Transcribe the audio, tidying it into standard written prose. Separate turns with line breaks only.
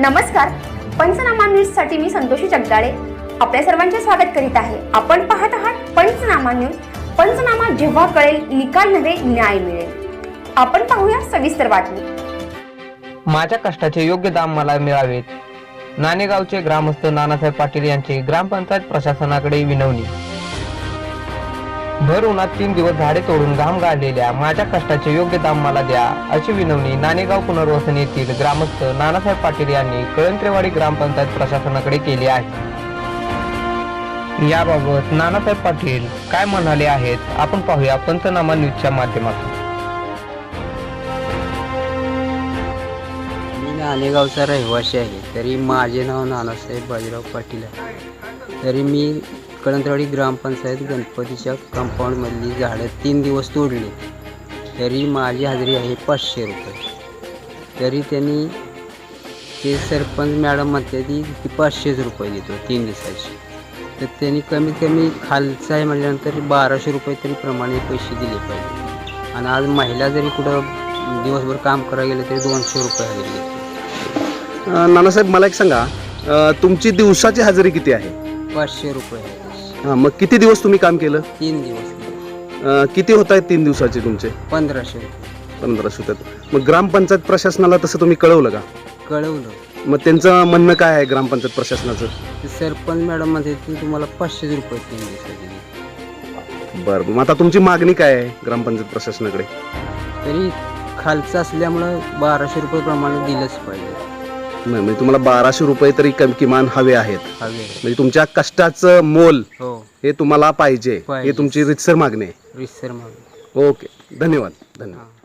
नमस्कार, पंचनामा न्यूज साठी मी संतोषी जगदाळे आपल्या सर्वांचे स्वागत करीत आहे। आपण पाहत आहात पंचनामा न्यूज। पंचनामा जेव्हा कळेल निकाल नव्हे न्याय मिळेल। आपण पाहूया सविस्तर बातमी।
माझ्या कष्टाचे योग्य दाम मला मिळावेत, नाणेगावचे ग्रामस्थ नानासाहेब पाटील यांची ग्रामपंचायत प्रशासनाकडे विनवणी। भर उन्हात 3 दिवस झाडे तोडून घाम गाळलेल्या माझ्या कष्टाचे योग्य दाम मला द्या, अशी विनवणी नाणेगाव पुनर्वसन येथील ग्रामस्थ नानासाहेब पाटील यांनी कळंत्रेवाडी ग्रामपंचायत प्रशासनाकडे केली आहे। याबाबत नानासाहेब पाटील काय म्हणाले आहेत आपण पाहूया पंचनामा न्यूजच्या माध्यमातून।
मी नाणेगावचा रहिवासी आहे, तरी माझे नाव नानासाहेब बाजीराव पाटील आहे। तरी मी कळंत्रेवाडी ग्रामपंचायत गणपतीच्या कंपाऊंडमधली झाडं 3 दिवस तोडली, तरी माझी हजेरी आहे 500 रुपये। तरी त्यांनी ते सरपंच मॅडम म्हणते की 500 रुपये देतो 3 दिवसाची, तर त्यांनी कमीत कमी खालचं आहे म्हटल्यानंतर 1200 रुपये तरी प्रमाणे पैसे दिले पाहिजे। आणि आज महिला जरी कुठं दिवसभर काम करायला गेले तरी 200 रुपये हजेरी घेतली।
नानासाहेब मला एक सांगा, तुमची दिवसाची हजेरी किती आहे?
500 रुपये आहे।
हां, मग किती दिवस तुम्ही काम केलं?
3 दिवस केले।
किती होत आहेत 3 दिवसाचे तुमचे?
1500 रुपये।
1500 होतात। मग ग्रामपंचायत प्रशासनाला तसं तुम्ही कळवलं का?
कळवलं।
मग त्यांचं म्हणणं काय आहे ग्रामपंचायत प्रशासनाचं?
ते सरपंच मॅडम म्हणते की तुम्हाला 500 रुपये 3 दिवसाचे।
बरं, मग आता तुमची मागणी काय आहे ग्रामपंचायत प्रशासनाकडे?
तरी खालचं असल्यामुळं 1200 रुपये प्रमाणे दिलंच पाहिजे।
नाही, म्हणजे तुम्हाला 1200 रुपये तरी किमान हवे आहेत,
हवे।
म्हणजे तुमच्या कष्टाचं मोल
हो,
हे तुम्हाला पाहिजे,
पाहिजे।
हे तुमची रीतसर मागणी आहे।
रिसर मागणी।
ओके, धन्यवाद धन्यवाद।